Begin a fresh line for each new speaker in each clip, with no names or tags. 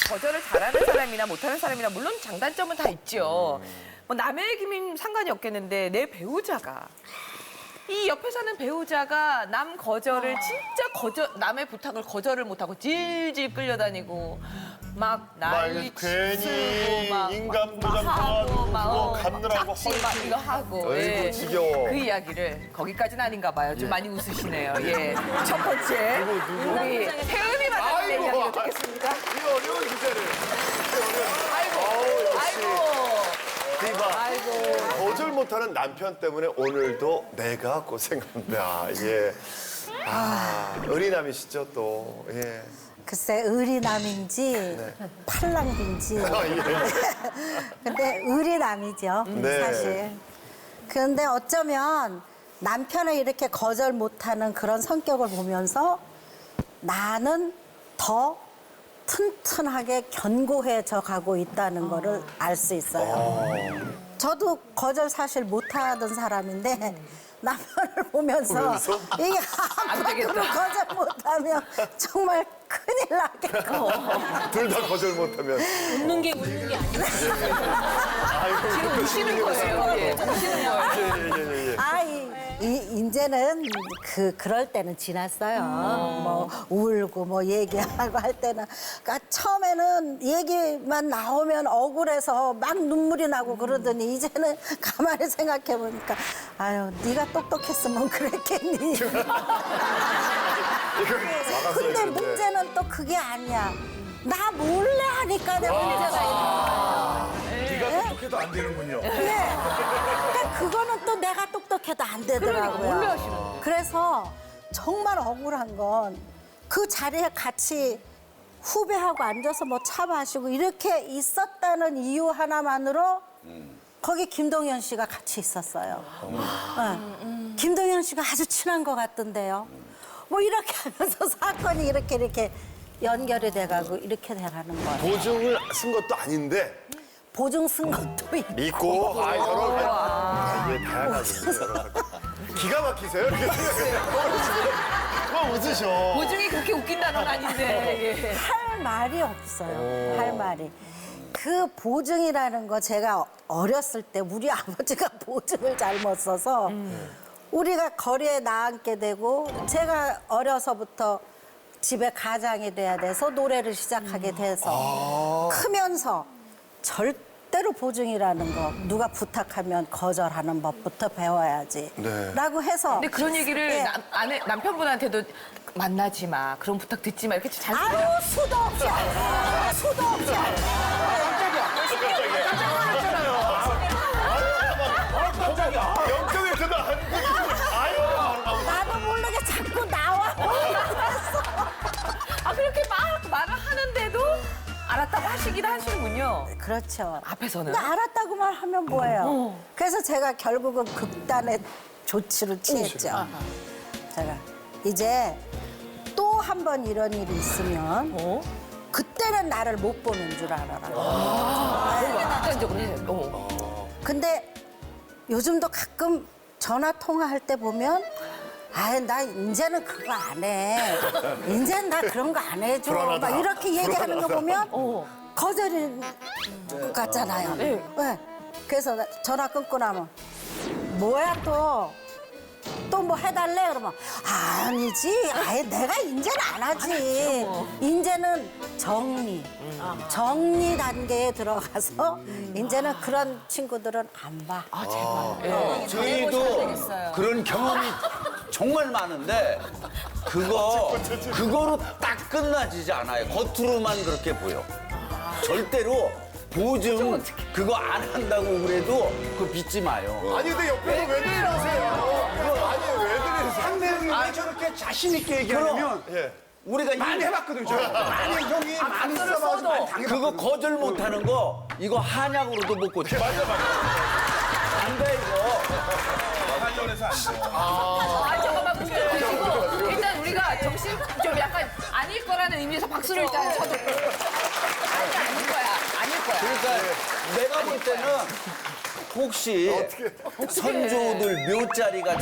거절을 잘하는 사람이나 못하는 사람이나 물론 장단점은 다 있죠. 뭐 남의 얘기면 상관이 없겠는데 내 배우자가 이 옆에 사는 배우자가 남 거절을 진짜 남의 부탁을 거절을 못하고 질질 끌려다니고 막 난리
괜히
쓰고 막
인감도장
하고
도와주고
막
그거 갚느라고
짝지 막 이거 하고
어이구, 지겨워.
그 이야기를 거기까지는 아닌가 봐요. 좀 많이 웃으시네요. 예. 첫 번째 우리 태음이 만났을 때
아이고,
이야기 듣겠습니다.
이 어려운 주제를.
아이고 아이고
디바.
아이고
거절 못하는 남편 때문에 오늘도 내가 고생한다. 예. 어린남이시죠 또. 예.
글쎄 의리남인지 팔랑귀인지
아, 예.
근데 의리남이죠
네.
사실. 그런데 어쩌면 남편을 이렇게 거절 못하는 그런 성격을 보면서 나는 더 튼튼하게 견고해져 가고 있다는 거를 알 수 있어요. 저도 거절 사실 못하던 사람인데 남편을 보면서 이게 아무것도 거절 못하면 정말 큰일 나겠고.
둘 다 거절 못하면.
웃는 게 웃는 게 아니야.
아이고,
지금 우시는 거예요. 예. 우시는 거예요.
이제는 그럴 때는 지났어요. 뭐 울고 뭐 얘기하고 할 때는. 그러니까 처음에는 얘기만 나오면 억울해서 막 눈물이 나고 그러더니 이제는 가만히 생각해 보니까 아유 네가 똑똑했으면 그랬겠니. 근데 문제는 또 그게 아니야. 나 몰래 하니까 내 문제가 있는 거야.
네가 똑똑해도 안 되는군요.
네. 그러니까 그거는 또 내가 똑똑해도 안 되더라고요.
몰래 하시는
그래서 정말 억울한 건 그 자리에 같이 후배하고 앉아서 뭐 차 마시고 이렇게 있었다는 이유 하나만으로 거기 김동현 씨가 같이 있었어요. 네. 김동현 씨가 아주 친한 것 같던데요. 뭐 이렇게 하면서 사건이 이렇게 연결이 돼가고 이렇게 돼가는 거예요.
보증을 쓴 것도 아닌데
보증 쓴 것도 있고.
믿고 이게 다양하죠. 여러 가지. 기가 막히세요? 이렇게 생각해요. 그만 웃으셔.
보증이 그렇게 웃긴 단어는 아닌데. 예.
할 말이 없어요. 할 말이. 그 보증이라는 거 제가 어렸을 때 우리 아버지가 보증을 잘못 써서 우리가 거리에 나앉게 되고 제가 어려서부터 집에 가장이 돼야 돼서 노래를 시작하게 돼서 크면서 절대로 보증이라는 거 누가 부탁하면 거절하는 법부터 배워야지
네.
라고 해서
근데 그런 얘기를
네.
남편분한테도 만나지 마, 그런 부탁 듣지 마 이렇게 잘.
아유 수도 없이 수도 없이
영정에서도 아유.
나도 모르게 자꾸 나와.
그렇게 막 말을 하는데도 알았다고 하시긴 하시는군요.
그렇죠.
앞에서는.
근데 알았다고만 하면 뭐예요? 그래서 제가 결국은 극단의 조치를 취했죠. 제가 이제 또 한 번 이런 일이 있으면 그때는 나를 못 보는 줄 알아라.
극단적으로 해요.
근데 요즘도 가끔 전화 통화할 때 보면 나 이제는 그거 안 해. 이제는 나 그런 거 안 해줘.
불안하다.
막 이렇게 얘기하는 거 보면 거절인 것 같잖아요.
네.
네. 그래서 전화 끊고 나면 뭐야 또 뭐 해달래? 그러면 아니지. 아예 내가 이제는 안 하지. 이제는 정리 단계에 들어가서 이제는 그런 친구들은 안 봐.
저희도 그런 경험이 정말 많은데 그거로 딱 끝나지지 않아요. 겉으로만 그렇게 보여. 절대로 보증 그거 안 한다고 그래도 그거 믿지 마요.
아니 근데 옆에서 왜 들으세요? 아니 왜 들으세요?
상대형이 왜 저렇게 자신 있게 얘기하냐면
예.
우리가
많이 해봤거든요. 저. 많이 형이 많이 써봐서 많이 당해봤거든요.
그거 거절 못하는 거 이거 한약으로도 못 고쳐.
맞아.
안 돼 이거.
관련해서 안 돼요.
잠깐만 문제 드시고 일단 우리가 정신 좀 약간 아닐 거라는 의미에서 박수를 일단 쳐줘. 아닐 거야.
그러니까 내가 볼 때는 혹시 선조들 묘자리가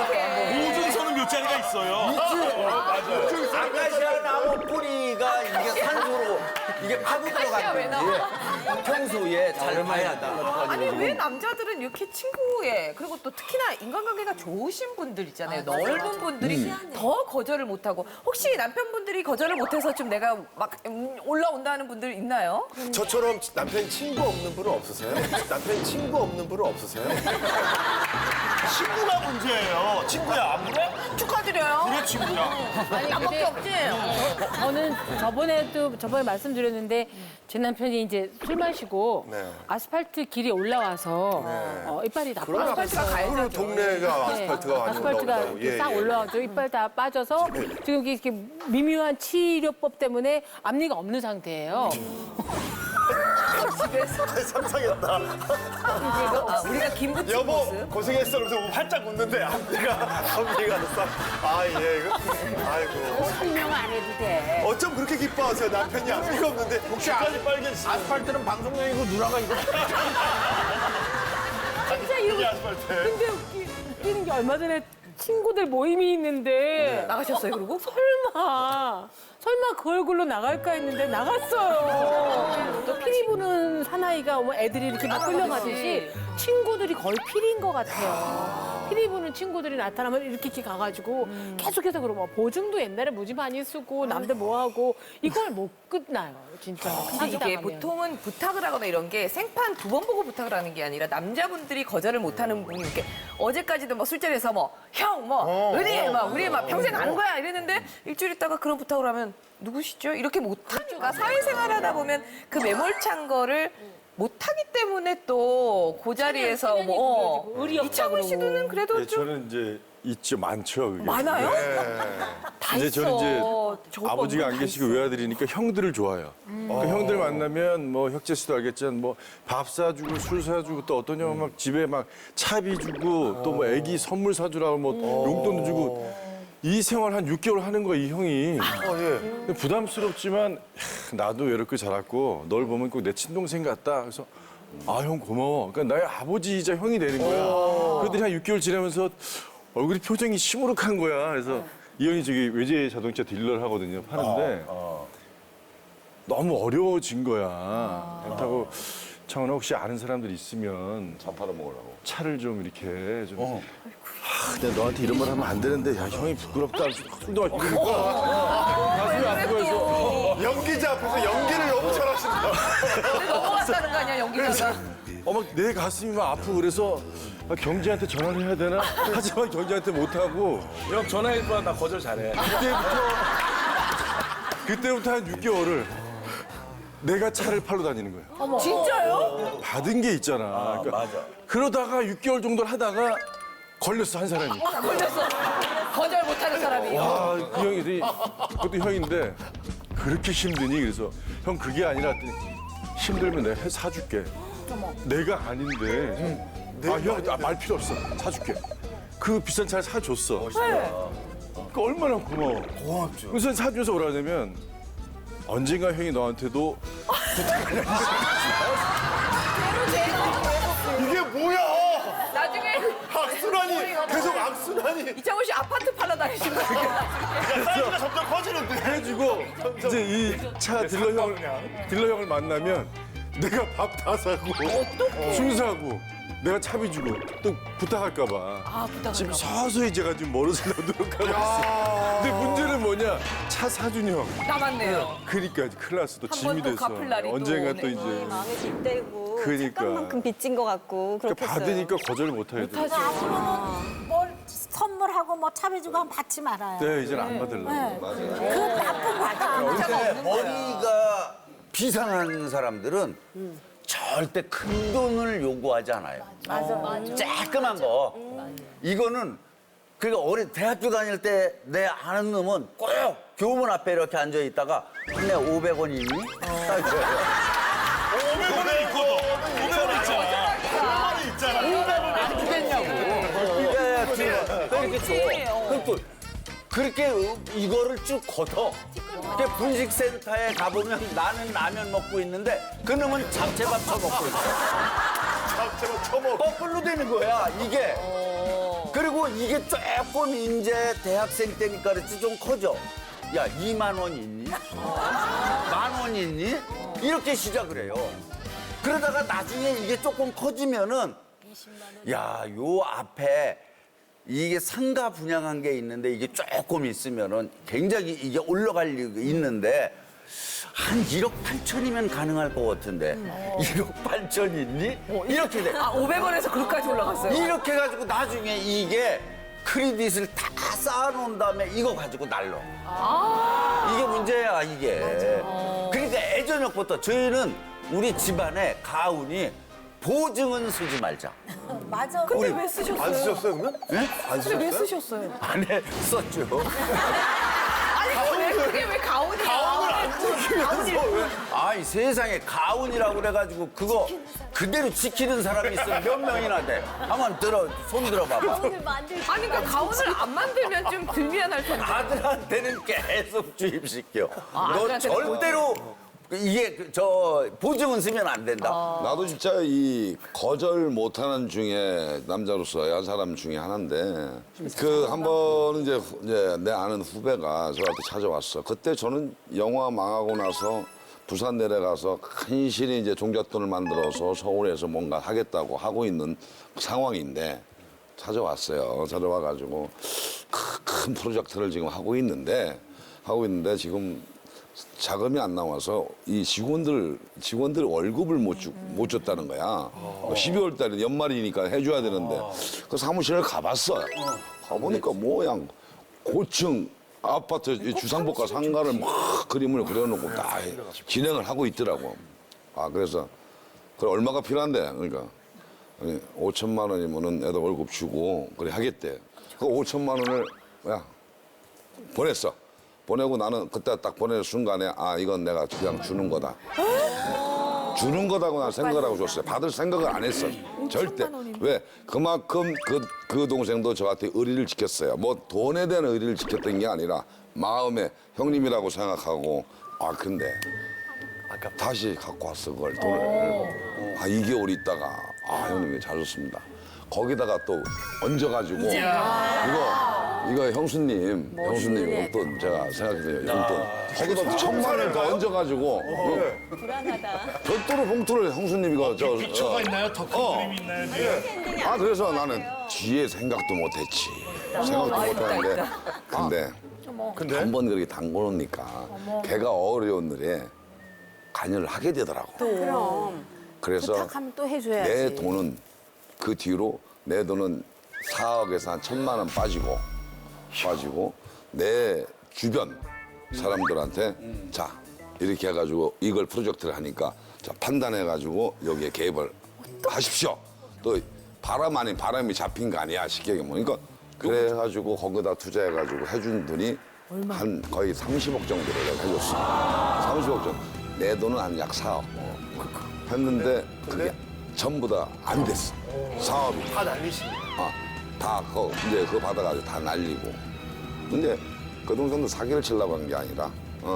보증서는 몇 자리가 있어요.
아카시아 나무 뿌리가 이게 이게 파고
아카시아 왜
들어갔는지 평소에 잘 봐야 한다.
아니 왜 남자들은 이렇게 친구에 그리고 또 특히나 인간관계가 좋으신 분들 있잖아요. 넓은 분들이 더 거절을 못하고 혹시 남편분들이 거절을 못해서 좀 내가 막 올라온다는 분들 있나요?
저처럼 남편 친구 없는 분은 없으세요? 남편 친구 없는 분은 없으세요?
친구가 문제예요. 친구야 안 그래?
축하드려요.
그래 친구야.
아니
나밖에 없지.
저는 저번에 말씀드렸는데 제 남편이 이제 술 마시고
네.
아스팔트 길에 올라와서 이빨이 다
그러면
빠졌어요.
그런 동네가 아스팔트가 많이
아스팔트가
올라온다고.
이렇게 싹 올라와서 이빨 다 빠져서 지금 이렇게 미묘한 치료법 때문에 앞니가 없는 상태예요.
집에서
상상했다.
우리가 김부치
여보
모습.
고생했어. 그래서 활짝 웃는데 앞니가 싹. 아 예. 이거. 아이고.
설명 안 해도 돼.
어쩜 그렇게 기뻐하세요? 남편이 앞니가 없는데
혹시
끝까지 빨개지.
아스팔트는 방송용이고 누나가 이거
진짜 이러고
이 아스팔트.
근데 웃기는 게 얼마 전에 친구들 모임이 있는데
나가셨어요, 그리고?
설마 그 얼굴로 나갈까 했는데 나갔어요. 또 피리 부는 사나이가 뭐 애들이 이렇게 막 끌려가듯이 친구들이 거의 피리인 것 같아요. 피리 부는 친구들이 나타나면 이렇게 가가지고 계속해서 그러고 보증도 옛날에 무지 많이 쓰고 남들 뭐하고 이걸 못 끝나요, 진짜.
근데 이게
사기당하면.
보통은 부탁을 하거나 이런 게 생판 두 번 보고 부탁을 하는 게 아니라 남자분들이 거절을 못하는 분이 이렇게 어제까지도 뭐 술자리에서 뭐 형 뭐 우리 막 평생 아는 거야 이랬는데 일주일 있다가 그런 부탁을 하면 누구시죠? 이렇게 못하니까 사회생활 하다 보면 그 매몰찬 거를 못하기 때문에 또 그 자리에서 뭐
의리 없다
이창훈 씨는 그래도
네,
좀
저는 이제 있죠, 많죠. 그게.
많아요? 다
이제
있어.
저는 이제
저거
아버지가
다
안 계시고
있어.
외아들이니까 형들을 좋아해요. 그 형들 만나면 뭐 혁재 씨도 알겠지만 뭐 밥 사주고 술 사주고 또 어떤 형은 막 집에 막 차비 주고 또 뭐 애기 선물 사주라고 뭐 용돈도 주고 이 생활 한 6개월 하는 거야, 이 형이.
예.
부담스럽지만 야, 나도 외롭게 자랐고 널 보면 꼭 내 친동생 같다. 그래서 아, 형 고마워. 그러니까 나의 아버지이자 형이 되는 거야. 그랬더니 한 6개월 지나면서 얼굴이 표정이 시무룩한 거야. 그래서 이 형이 저기 외제 자동차 딜러를 하거든요. 파는데 너무 어려워진 거야. 그렇다고 창원아 혹시 아는 사람들 있으면
밥 팔아 먹으려고.
차를 좀 이렇게 좀. 내가 너한테 이런 말 하면 안 되는데 야 형이 부끄럽다. 술도 마시고 그러니까 가슴이 아프면서
연기자 앞에서 연기를 너무 잘하신다.
근데 넘어갔다는 거 아니야 연기자가?
막 내 가슴이 막 아프고 그래서 아, 경지한테 전화를 해야 되나? 하지만 경지한테 못하고
형 전화해봐 나 거절 잘해.
그때부터 한 6개월을 내가 차를 팔러 다니는 거예요.
진짜요?
받은 게 있잖아. 그러니까
맞아.
그러다가 6개월 정도를 하다가 걸렸어, 한 사람이.
걸렸어. 거절 못하는 사람이.
아, 그 형이, 그것도 형인데 그렇게 힘드니? 그래서 형 그게 아니라 했더니 힘들면 내가 사줄게. 내가 아닌데. 아, 형, 말 필요 없어. 사줄게. 그 비싼 차를 사줬어. 그 얼마나 고마워. 고맙죠. 그래서 사주면서 뭐라 하냐면 언젠가 형이 너한테도
이게 뭐야?
나중에
악순환이 계속 악순환이.
이창훈 씨 아파트 팔러 다니신 거예요?
사이즈가 점점 커지는데.
해주고 이제 이 차 딜러 형을 만나면 내가 밥 다 사고 술 사고 내가 차비 주고 또 부탁할까 봐 지금 서서히 제가 좀 멀어서 노력하고 있어. 근데 문제는 뭐냐? 차 사준 형.
남았네요.
그러니까 큰일 났어. 또
한
짐이
번 또
됐어.
갚을 날이 또
언젠가
오네.
또 이제
마음이 빗대고
그러니까.
착각만큼 빚진 것 같고
그러니까
그렇겠어요.
받으니까 거절을 못 하겠더라고.
앞으로는 뭘 선물하고 뭐 차비 주고 하면 받지 말아요.
네, 이제는 안 받으려고.
그 나쁜 거다.
근데 머리가 비상한 사람들은 절대 큰 돈을 요구하지 않아요.
맞아.
쬐끄만 거. 이거는 그러니까 대학교 다닐 때 내 아는 놈은 꼭 교문 앞에 이렇게 앉아 있다가 내 500원 있니? 딱 이거예요.
500원은 있거든. 500원 있잖아. 500원이 있잖아.
500원 안 주겠냐고. 또 이렇게 줘. 그럼 또 그렇게 이거를 쭉 걷어. 이렇게 분식센터에 가보면 나는 라면 먹고 있는데 그놈은 잡채밥 쳐먹고 있어.
잡채만 처먹.
거꾸로 되는 거야, 이게. 그리고 이게 조금 이제 대학생 때니까 그렇지 좀 커져. 야, 2만 원 있니? 만 원 20만 있니? 이렇게 시작을 해요. 그러다가 나중에 이게 조금 커지면은 야, 요 앞에 이게 상가 분양한 게 있는데 이게 조금 있으면은 굉장히 이게 올라갈 리가 있는데 한 1억 8천이면 가능할 것 같은데 1억 8천 있니? 이렇게 돼.
아, 500원에서 그렇게까지 올라갔어요.
이렇게 해가지고 나중에 이게 크레딧을 다 쌓아놓은 다음에 이거 가지고 날러. 이게 문제야, 이게. 그러니까 예전부터 저희는 우리 집안에 가훈이 보증은 쓰지 말자.
맞아.
근데 왜 쓰셨어요?
안 쓰셨어요, 그러면?
예?
안
근데 왜
쓰셨어요?
쓰셨어요?
안 했었죠.
아니, 그게 왜 가훈이야? 가훈을 안
쓰면서 왜?
아이, 세상에 가훈이라고 그래가지고 그거 그대로 지키는 사람이 있어. 몇 명이나 돼. 한번 손 들어봐봐.
아니, 그러니까 가훈을 안 만들면 좀 덜 미안할 텐데.
아들한테는 계속 주입시켜. 너
아들한테는
절대로 이게 저 보증은 쓰면 안 된다.
나도 진짜 이 거절 못하는 중에 남자로서 한 사람 중에 하나인데 그 한 번은 이제 내 아는 후배가 저한테 찾아왔어. 그때 저는 영화 망하고 나서 부산 내려가서 간신히 이제 종잣돈을 만들어서 서울에서 뭔가 하겠다고 하고 있는 상황인데 찾아왔어요. 찾아와가지고 큰 프로젝트를 지금 하고 있는데 지금 자금이 안 나와서 이 직원들 월급을 못 줬다는 거야. 12월 달에 연말이니까 해줘야 되는데 그 사무실을 가봤어. 가보니까 뭐야 고층 아파트 이 주상복합 상가를 막 그림을 그려놓고 다 진행을 하고 있더라고. 아 그래서 그래 얼마가 필요한데 그러니까 5천만 원이면은 애들 월급 주고 그래 하겠대. 그 5천만 원을 야 보냈어. 보내고 나는 그때 딱 보내는 순간에 아 이건 내가 그냥 주는 거다. 주는 거다고 난 생각을 하고 줬어요. 받을 생각을 안 했어. 절대. 왜? 그만큼 그 동생도 저한테 의리를 지켰어요. 뭐 돈에 대한 의리를 지켰던 게 아니라 마음에 형님이라고 생각하고 아 근데 다시 갖고 왔어 그걸 돈을. 아 2개월 있다가 아 형님 잘 줬습니다. 거기다가 또 얹어가지고 이거 형수님 용돈 제가 생각해요 용돈 거기다 1,000만 원을 더 얹어가지고
불안하다.
별도로 봉투를 형수님 이거 저
피처가 있나요? 더 큰 그림이 있나요? 네.
아 그래서 나는 뒤에 생각도 못했지 생각도 못했는데 근데 한 번 그렇게 담궈놓으니까 걔가 어려운 일에 관여를 하게 되더라고.
그럼.
그래서
부탁하면 또 해줘야지.
내 돈은 그 뒤로 내 돈은 4억에서 한 1,000만 원 빠지고 내 주변 사람들한테 자 이렇게 해가지고 이걸 프로젝트를 하니까 자 판단해가지고 여기에 개입을 하십시오. 또 바람 아닌 바람이 잡힌 거 아니야 쉽게 얘기하면 그러니까 그래가지고 거기다 투자해가지고 해준 돈이 한 거의 30억 정도를 내가 해줬어. 30억 정도. 내 돈은 한 약 4억 했는데 그게 전부 다 안 됐어. 사업이.
다 날리시.
다 이제 그거 받아가지고 다 날리고. 근데 그 동생도 사기를 치려고 한 게 아니라,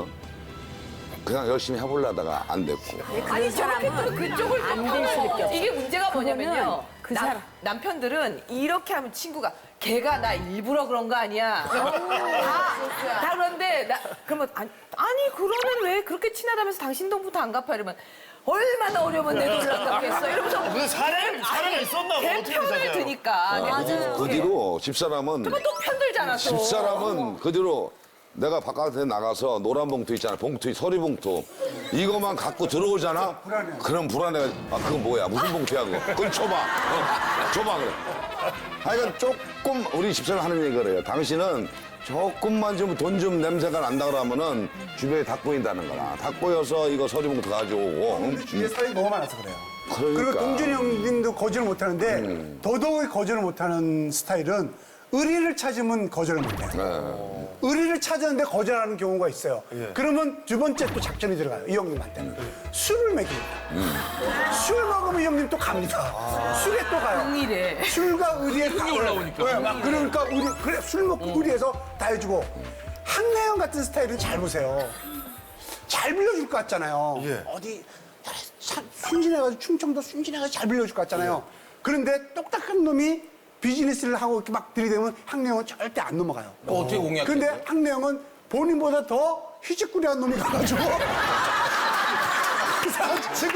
그냥 열심히 해보려다가 안 됐고.
아니, 저렇게 또 그쪽을
안 될 수밖에 없어.
이게 문제가 뭐냐면요.
그 사람.
남편들은 이렇게 하면 친구가 걔가 나 일부러 그런 거 아니야. 다 그런데 그러면 아니 그러면 왜 그렇게 친하다면서 당신 돈부터 안 갚아 이러면 얼마나 어려우면 내 돈을 안 갚겠어 이러면서
그 사례가 있었나 봐.
걔
어떻게
편을
생각해요?
드니까
그 뒤로 집사람은,
또 편들잖아 또.
집사람은 그 뒤로 내가 바깥에 나가서 노란 봉투 있잖아. 봉투, 서리 봉투. 이거만 갖고 들어오잖아? 그럼 불안해. 아, 그건 뭐야? 무슨 봉투야, 그거? 그걸 줘봐. 줘봐, 그래. 하여간 조금 우리 집사람 하는 얘기가 그래요. 당신은 조금만 좀 돈 좀 냄새가 난다 그러면은 주변에 다 꼬인다는 거라. 다 꼬여서 이거 서리 봉투 가져오고. 응?
주위에 사람이 너무 많아서 그래요.
그러니까.
그리고 동준이 형님도 거절을 못하는데 더더욱 거절을 못하는 스타일은 의리를 찾으면 거절을 못해요. 의리를 찾았는데 거절하는 경우가 있어요. 그러면 두 번째 또 작전이 들어가요. 이 형님한테는. 술을 먹입니다. 술 먹으면 이 형님 또 갑니다. 술에 또 가요.
동일해.
술과 의리에 다 올라오니까. 그러니까 그래 술 먹고 의리해서 다 해주고 한나영 같은 스타일은 잘 보세요. 잘 빌려줄 것 같잖아요. 어디 순진해가지고 충청도 순진해가지고 잘 빌려줄 것 같잖아요. 그런데 똑딱한 놈이 비즈니스를 하고 이렇게 막 들이대면 항내형은 절대 안 넘어가요.
어떻게 공략해?
근데 항내형은 본인보다 더 휘짓꾸리한 놈이 가가지고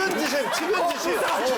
치면지심.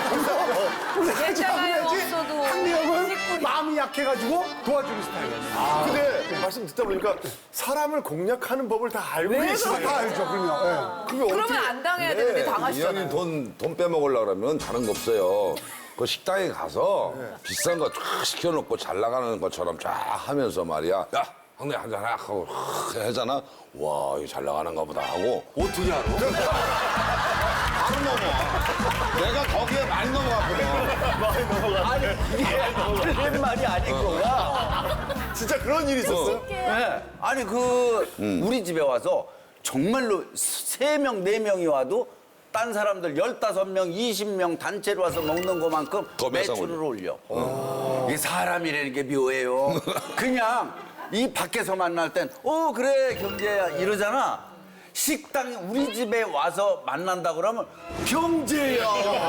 옛날에 없어도
한내형은 마음이 약해가지고 도와주는 스타일이에요.
근데 말씀 듣다 보니까 사람을 공략하는 법을 다 알고 계시네요.
다 알죠, 그럼요. 예.
그러면 안 당해야 되는데
이
당하시잖아요.
형님 돈 빼먹으려고 그러면 다른 거 없어요. 그 식당에 가서 비싼 거 쫙 시켜놓고 잘 나가는 것처럼 쫙 하면서 말이야. 야, 형님 한잔 하고 하잖아. 와, 이거 잘 나가는가 보다 하고.
어떻게 알아?
바로 넘어. 내가 거기에 많이 넘어갔거든.
아니 이게 틀린 말이 아닌 거야.
진짜 그런 일이 있었어요?
네. 아니 우리 집에 와서 정말로 3명, 4명이 와도 딴 사람들 15명, 20명 단체로 와서 먹는 것만큼
더 매상
매출을 올려. 이게 사람이라는 게 묘해요. 그냥 이 밖에서 만날 땐 그래 경제야 이러잖아. 식당에 우리 집에 와서 만난다 그러면 경제야.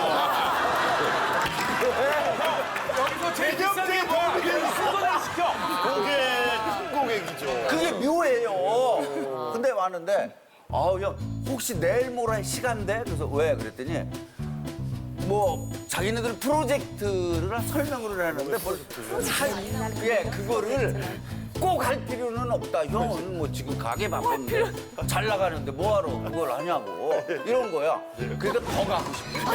여기서 제일 비싼 게 뭐야? 수건을 시켜.
고객이죠.
그게 묘해요. 근데 왔는데 형 혹시 내일 모레 시간 돼? 그래서 왜? 그랬더니 뭐 자기네들 프로젝트를 설명을 하는데 그거를 꼭 할 필요는 없다. 형은 뭐 지금 가게 바쁜데 잘 나가는데 뭐하러 그걸 하냐고 이런 거야. 그러니까 더 가고 싶어.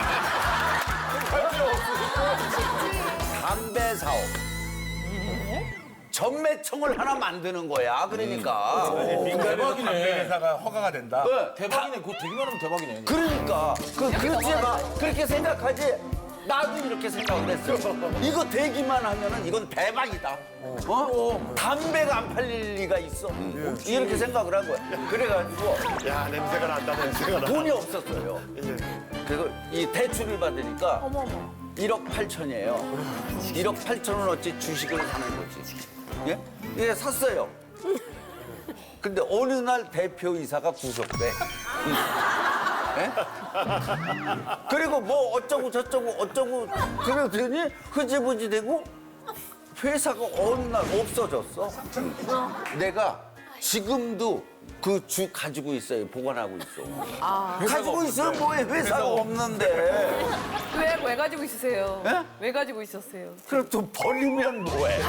담배 사업. 전매청을 하나 만드는 거야. 그러니까.
민간에서 담배 회사가 허가가 된다.
네.
대박이네. 그거 되기만 하면 대박이네.
그러니까 그렇지 마 그렇게 생각하지. 나도 이렇게 생각을 했어. 이거 되기만 하면은 이건 대박이다. 담배가 안 팔릴 리가 있어. 이렇게 생각을 한 거야. 그래가지고
야, 냄새가 난다, 냄새가 나.
돈이 없었어요. 그래서 이 대출을 받으니까 1억 8천이에요. 1억 8천원 어치 주식을 사는 거지. 예? 예, 샀어요. 근데 어느 날 대표이사가 구속돼. 예? 그리고 뭐 어쩌고 저쩌고 어쩌고 그러더니 흐지부지 되고 회사가 어느 날 없어졌어. 내가 지금도 그 주 가지고 있어요. 보관하고 있어. 가지고 있어요. 뭐해 회사가 없는데.
왜 가지고 있으세요?
예?
왜 가지고 있었어요?
그럼 또 버리면 뭐해.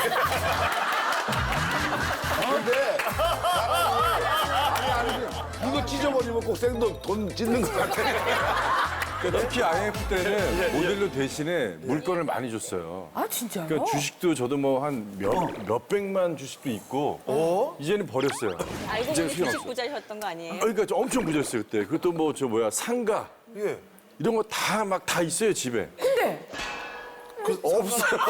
근데 이거 찢어버리면 꼭 생돈 돈 찢는 것 같아.
그러니까 특히 IMF 때는 모델로 대신에 물건을 많이 줬어요.
아 진짜요?
그러니까 주식도 저도 뭐 한 몇백만 주식도 있고 이제는 버렸어요.
알고
이제는
보니
필요
주식
없어.
부자셨던 거 아니에요?
그러니까 저 엄청 부자였어요 그때. 그것도 뭐 상가 이런 거 다 있어요 집에.
근데
없어요.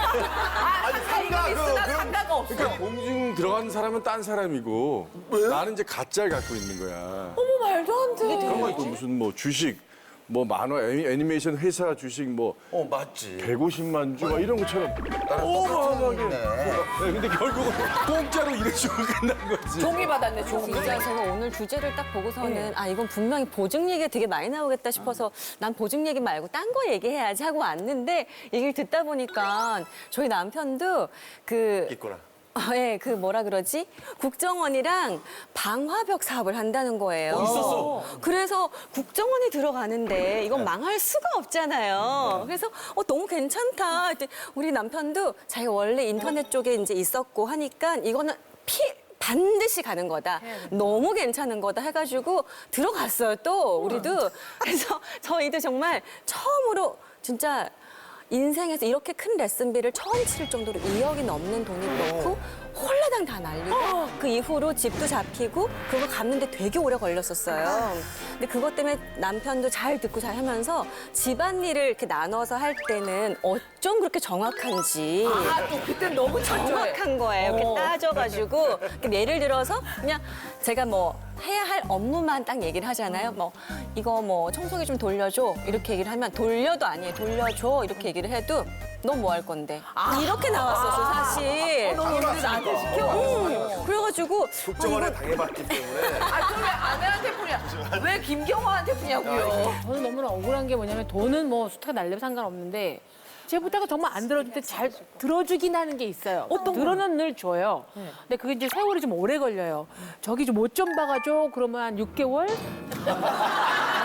상가 있으나 상가가 없어.
그러니까 공중 들어간 사람은 딴 사람이고 나는 이제 가짜를 갖고 있는 거야.
어머 말도 안 돼.
그런 거 있고 무슨 뭐 주식 뭐 만화 애니메이션 회사 주식 뭐
맞지.
150만 주 막 이런 것처럼 어마어마하게. 네, 근데 결국은 공짜로 일해주고 끝난 거지.
종이 받았네 종이.
진짜 제가 오늘 주제를 딱 보고서는 이건 분명히 보증 얘기가 되게 많이 나오겠다 싶어서 난 보증 얘기 말고 딴 거 얘기해야지 하고 왔는데 얘기를 듣다 보니까 저희 남편도
있구나.
그 뭐라 그러지? 국정원이랑 방화벽 사업을 한다는 거예요. 있었어. 그래서 국정원이 들어가는데 이건 망할 수가 없잖아요. 그래서 너무 괜찮다. 그랬더니 우리 남편도 자기가 원래 인터넷 쪽에 이제 있었고 하니까 이거는 반드시 가는 거다. 너무 괜찮은 거다 해가지고 들어갔어요. 또 우리도. 그래서 저희도 정말 처음으로 진짜 인생에서 이렇게 큰 레슨비를 처음 치를 정도로 2억이 넘는 돈을 넣고 홀라당 다 날리고 그 이후로 집도 잡히고 그거 갚는데 되게 오래 걸렸었어요. 근데 그것 때문에 남편도 잘 듣고 잘 하면서 집안일을 이렇게 나눠서 할 때는 어쩜 그렇게 정확한지
또 그때 너무
정확한 거예요. 이렇게 따져가지고 예를 들어서 그냥 제가 뭐 해야 할 업무만 딱 얘기를 하잖아요. 뭐 이거 뭐 청소기 좀 돌려줘 이렇게 얘기를 하면 돌려도 아니에요. 돌려줘 이렇게 얘기를 해도 너 뭐 할 건데 이렇게 나왔었어 사실.
너무 우리 나한테 시켜.
그래가지고
국정원에 당해봤기 때문에.
그럼 왜 아내한테 푸냐? 왜 김경화한테 푸냐고요?
저는 너무나 억울한 게 뭐냐면 돈은 뭐 수타가 날려도 상관없는데 제 부탁을 정말 안 들어줄 때 잘 들어주긴 하는 게 있어요. 들어는 늘 줘요. 근데 그게 이제 세월이 좀 오래 걸려요. 저기 좀 못 좀 박아줘. 그러면 한 6개월?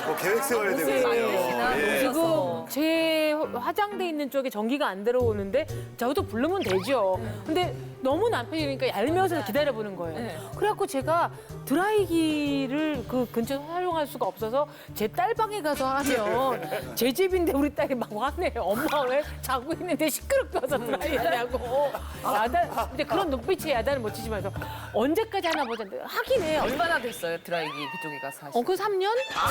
뭐 계획 세워야 되거든요. 예.
지금 제 화장대 있는 쪽에 전기가 안 들어오는데 저도 부르면 되죠. 근데 너무 남편이니까 얄미워서 기다려보는 거예요. 그래갖고 제가 드라이기를 그 근처에서 사용할 수가 없어서 제 딸 방에 가서 하면 제 집인데 우리 딸이 막 화내요. 엄마 왜 자고 있는데 시끄럽게 와서 드라이 하냐고. 야단, 근데 그런 눈빛에 야단을 못 치지만 언제까지 하나 보자. 하긴 해요.
얼마나 됐어요 드라이기 그쪽에 가서 하시고?
그 3년?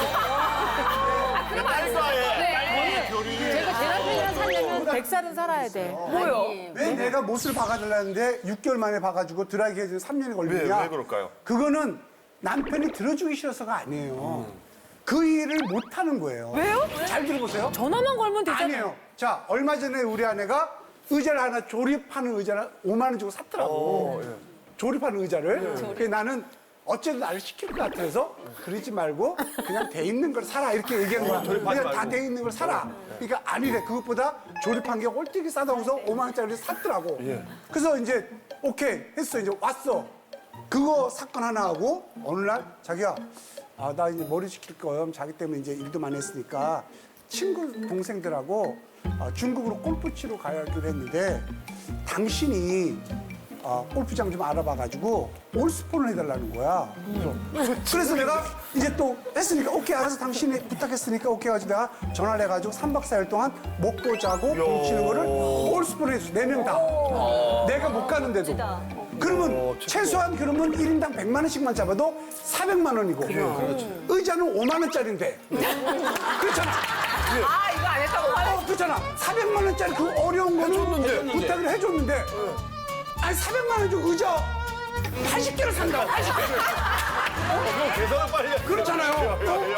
그럼 안 네.
제가 제 남편이랑 살려면 100살은 살아야 돼.
뭐요?
왜 내가 못을 박아달라는데 6개월 만에 박아주고 드라이기 해주는 3년이 걸리냐?
왜 그럴까요?
그거는 남편이 들어주기 싫어서가 아니에요. 그 일을 못하는 거예요.
왜요?
잘 들어보세요.
전화만 걸면 되잖아요.
아니에요. 자, 얼마 전에 우리 아내가 의자를 하나 조립하는 의자를 5만 원 주고 샀더라고. 조립하는 의자를. 그래서 나는 어쨌든 나를 시킬 것 같아서 그러지 말고 그냥 돼 있는 걸 사라 이렇게 얘기하는 거야. 그냥 다 돼 있는 걸 사라. 그러니까 아니래. 그것보다 조립한 게 꼴뚜기 싸다고 해서 5만 원짜리를 샀더라고. 그래서 이제 오케이 했어. 이제 왔어. 그거 사건 하나 하고 어느 날 자기야 나 이제 머리 식힐 거예요. 자기 때문에 이제 일도 많이 했으니까 친구 동생들하고 중국으로 골프 치러 가기로 했는데 당신이 골프장 좀 알아봐가지고 올스폰을 해달라는 거야. 그래서 내가 이제 또 했으니까 오케이 알아서 당신이 부탁했으니까 오케이 해가지고 내가 전화를 해가지고 3박 4일 동안 먹고 자고 공 치는 거를 올스폰을 해줬어. 4명 다. 내가 못 가는데도. 그러면 최소한 그러면 1인당 100만 원씩만 잡아도 400만 원이고 의자는 5만 원짜리인데 그렇잖아.
아 이거 안 했다고 화내.
그렇잖아. 400만 원짜리 그 어려운 거는 부탁을 해줬는데 아니 400만 원 주고 의자 80개를 산다고 80개를.
계산을 빨리 해.
그렇잖아요.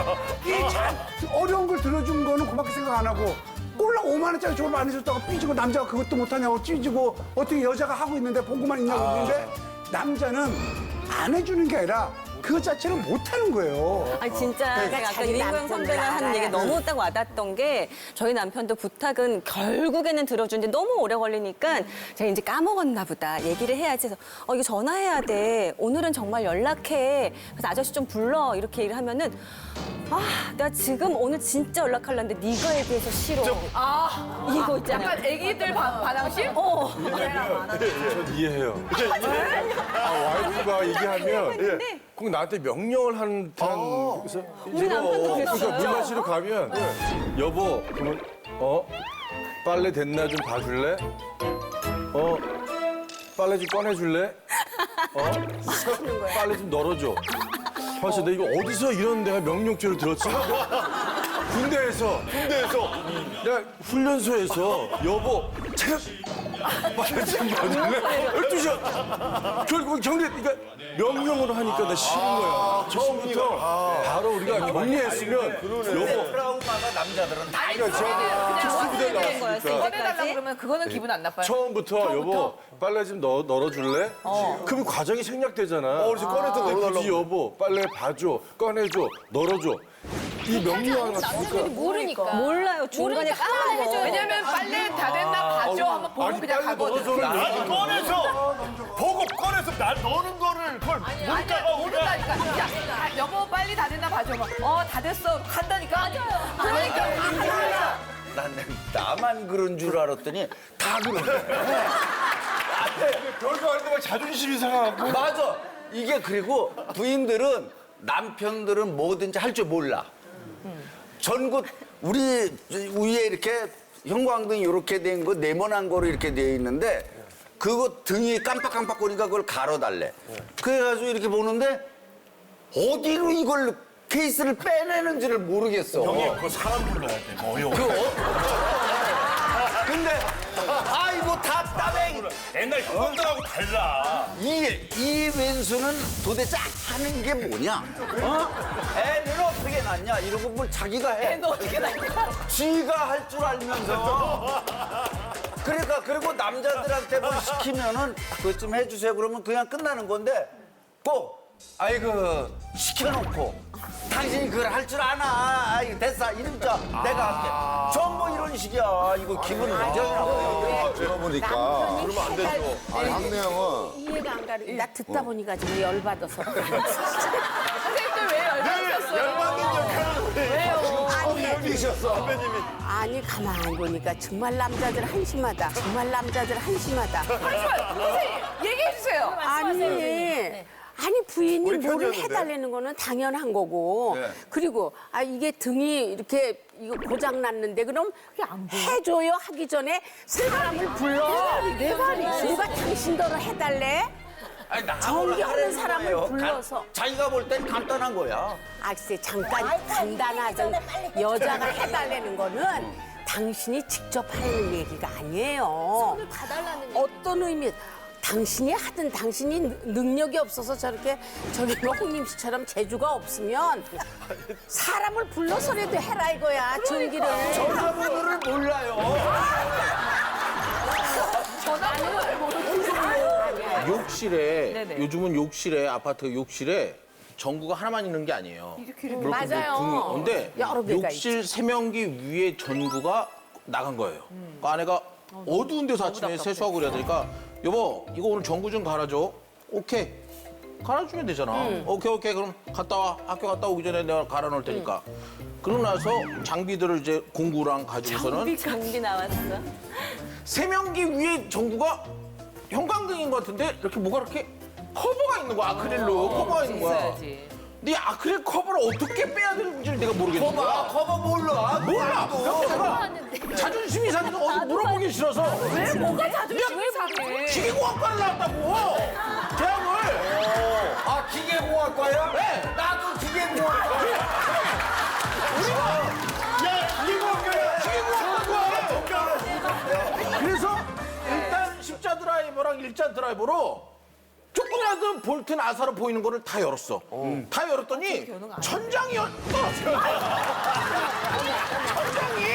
이 어려운 걸 들어준 거는 그밖에 생각 안 하고 꼴랑 5만 원짜리 졸업 안 해줬다가 삐지고 남자가 그것도 못하냐고 찌지고 어떻게 여자가 하고 있는데 보고만 있냐고 그러는데 남자는 안 해주는 게 아니라 그 자체를 못하는 거예요.
아니 진짜
그러니까
제가 아까
자기
유인광
남편을
선배가 하는 얘기
알아야
너무 딱 와닿았던 게 저희 남편도 부탁은 결국에는 들어주는데 너무 오래 걸리니까 제가 이제 까먹었나 보다 얘기를 해야지 해서 이거 전화해야 돼 오늘은 정말 연락해 그래서 아저씨 좀 불러 이렇게 얘기를 하면은 나 지금 오늘 진짜 연락하려는데 네가 얘기해서 싫어 이거 있잖아요.
약간 애기들 반항심?
전 이해해요. 와이프가 얘기하면 꼭 나한테 명령을 하는 듯한 그래서
우리 남편도
그러니까
그랬어요.
물 마시러 가면 여보 그러면 빨래 됐나 좀 봐줄래? 빨래 좀 꺼내줄래? 빨래 좀 널어줘. 사실 나 이거 어디서 이런 내가 명령조를 들었지? 군대에서 내가 훈련소에서 여보 체력 빨래 좀 봐줄래? 12시간 결국은 격리 그러니까 명령으로 하니까 나 싫은 거야. 처음부터 바로 우리가 격리했으면 여보
트라우마가 남자들은 다
특수부대
거였어요,
나왔으니까
이제까지?
꺼내달라 그러면 그거는 기분 안 나빠요.
처음부터 여보 빨래 좀 널어줄래? 그럼 과정이 생략되잖아.
그래서 꺼내서
근데
널어달라고.
굳이 여보 빨래 봐줘, 꺼내줘, 널어줘. 이 명령 하나 쓰니까
모르니까. 몰라요. 중간에 까먹어.
왜냐면 빨래 다 됐나 봐줘 한번 보고
아니
그냥
빨래
가거든.
널어줘를
아니 꺼내서 보고 꺼내서 날 넣는 거를 그걸
아니야 모른다니까. 야 여보 빨리 다 됐나 봐줘. 다 됐어 한다니까. 그러니까
난 나만 그런 줄 알았더니 다 그러네.
별거 아닌데 막 자존심이 상하고.
맞아. 이게 그리고 부인들은 남편들은 뭐든지 할 줄 몰라. 전국 우리 위에 이렇게 형광등이 이렇게 된 거 네모난 거로 이렇게 되어 있는데 그거 등이 깜빡깜빡거리니까 그걸 가로달래. 그래가지고 이렇게 보는데 어디로 이걸 케이스를 빼내는지를 모르겠어.
형님, 그거 사람 불러야 돼. 어려워.
근데 이거 다 따뱅.
옛날 형들하고 달라.
이 왼수는 도대체 하는 게 뭐냐? 애는 어떻게 낳냐? 이런 거 뭘 자기가 해.
애는 어떻게 낳냐?
지가 할 줄 알면서. 그러니까 그리고 남자들한테 뭘 시키면은 그것 좀 해주세요. 그러면 그냥 끝나는 건데 꼭 시켜놓고 당신이 그걸 할 줄 아나? 됐어. 이름자 내가 할게. 전부 이런 식이야. 이거 기분 굉장히 나빠요.
들어보니까
그러면 안 되죠.
아니 학내형은
이해가 안 가는. 나 듣다 보니까 지금 열받아서.
선생님들 왜 열받으셨어요?
열받는 역할을 왜
늙으셨어.
선배님이.
아니 가만히 보니까 정말 남자들 한심하다. 정말 남자들 한심하다.
선생님 얘기해 주세요.
아니 부인이
우리
뭐를
편이었는데.
해달라는 거는 당연한 거고 그리고 이게 등이 이렇게 이거 고장 났는데 그럼 해줘요 하기 전에 사람을 불러 내 말이 누가 당신더러 해달래? 정겨운 사람을 불러서
자기가 볼 땐 간단한 거야.
글쎄 잠깐 간단하던 여자가 해달라는 거는 당신이 직접 하는 얘기가 아니에요. 손을 봐달라는 어떤 의미? 당신이 하든 당신이 능력이 없어서 저렇게 저기 홍림 씨처럼 재주가 없으면 사람을 불러서라도 해라 이거야 전기를.
전화번호를 몰라요.
전화번호를 모르겠어요.
욕실에
네네.
요즘은 욕실에 아파트 욕실에 전구가 하나만 있는 게 아니에요.
맞아요.
근데
여러 개가
욕실 세면기 위에 전구가 나간 거예요. 그 아내가 어두운 데서 아침에 세수하고 그래야 되니까 여보 이거 오늘 전구 좀 갈아줘. 오케이. 갈아주면 되잖아. 오케이 그럼 갔다 와. 학교 갔다 오기 전에 내가 갈아 놓을 테니까. 그러고 나서 장비들을 이제 공구랑 가지고서는
장비 나왔어.
세면기 위에 전구가 형광등인 것 같은데 이렇게 뭐가 이렇게 커버가 있는 거야. 아크릴로 커버가 있는 거야.
있어야지.
근데 이 아크릴 커버를 어떻게 빼야 되는지를 내가 모르겠는 거야.
커버 몰라.
몰라. 그래서 내가 자존심이 상해서 어디 물어보기 싫어서
왜 뭐가 자존심이 상해?
기계공학과를 나왔다고. 대학을.
아, 기계공학과야?
네.
나도 기계공학과.
그래서 일단 십자 드라이버랑 일자 드라이버로 조금이라도 볼트 나사로 보이는 거를 다 열었어. 다 열었더니 천장이 떨어져. 천장이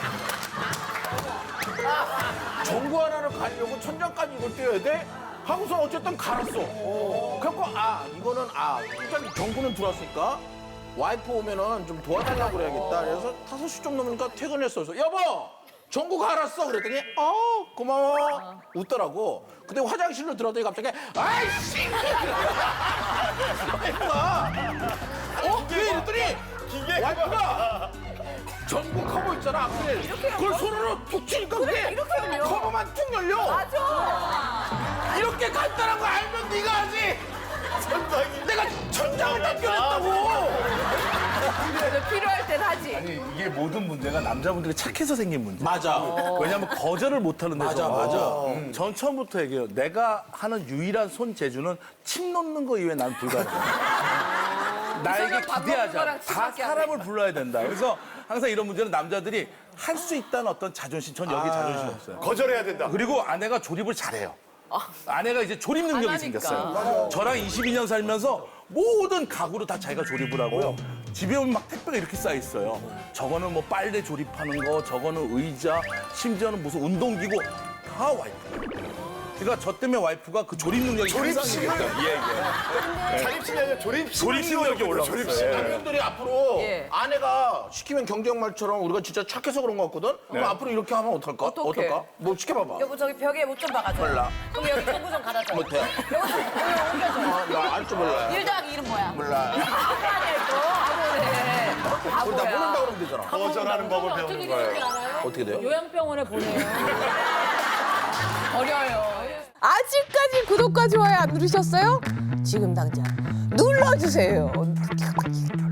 전구 하나를 가려고 천장까지 이걸 떼어야 돼? 하고서 어쨌든 갈았어. 그래갖고 이거는 일단 전구는 들어왔으니까 와이프 오면은 좀 도와달라고 그래야겠다. 그래서 5시 좀 넘으니까 퇴근했어. 그래서 여보! 전구 갈았어. 그랬더니 고마워. 웃더라고. 근데 화장실로 들어더니 갑자기 아이씨! 와이프가 왜 이랬더니 와이프가 전구 커버 있잖아. 그걸 손으로 툭 치니까 그게 커버만 툭 열려.
맞아.
이렇게 간단한 거 알면 네가 하지. 내가 천장을 다 껴냈다고.
그래도 필요할 땐 하지.
아니 이게 모든 문제가 남자분들이 착해서 생긴 문제.
맞아.
왜냐면 거절을 못하는 데서.
맞아.
전 처음부터 얘기해요. 내가 하는 유일한 손 재주는 침 놓는 거 이외에 난 불가능해. 나에게
밥 먹는
기대하자.
거랑
다
침밖에 안
사람을 불러야 된다. 그래서 항상 이런 문제는 남자들이 할 수 있다는 어떤 자존심. 전 여기 자존심 없어요.
거절해야 된다.
그리고 아내가 조립을 잘해요. 아내가 이제 조립 능력이
하니까.
생겼어요. 저랑 22년 살면서 모든 가구를 다 자기가 조립을 하고요. 집에 오면 막 택배가 이렇게 쌓여 있어요. 저거는 뭐 빨래 조립하는 거, 저거는 의자, 심지어는 무슨 운동기구 다 와이프. 그러니까 저 때문에 와이프가 그 조립 능력이
조립식을? 자립심이 아니라 조립심.
능력이 올라갔어요.
남편들이 앞으로
예.
아내가 시키면 경쟁말처럼 우리가 진짜 착해서 그런 것 같거든? 그럼 앞으로 이렇게 하면 어떨까?
어떡해?
어떨까? 뭐 시켜봐봐.
여보 저기 벽에 못 좀 박아줘.
몰라.
그럼 여기 전구 좀 갈아줘.
못해.
여기 좀 옮겨줘.
나 알 줄 몰라.
1 더하기 1은 뭐야?
몰라.
아니야 또.
우리 다 모른다 그러면 되잖아.
거절하는 법을 배우는 거예요.
어떻게 돼요?
요양병원에 보내요.
어려요.
아직까지 구독과 좋아요 안 누르셨어요? 지금 당장 눌러주세요.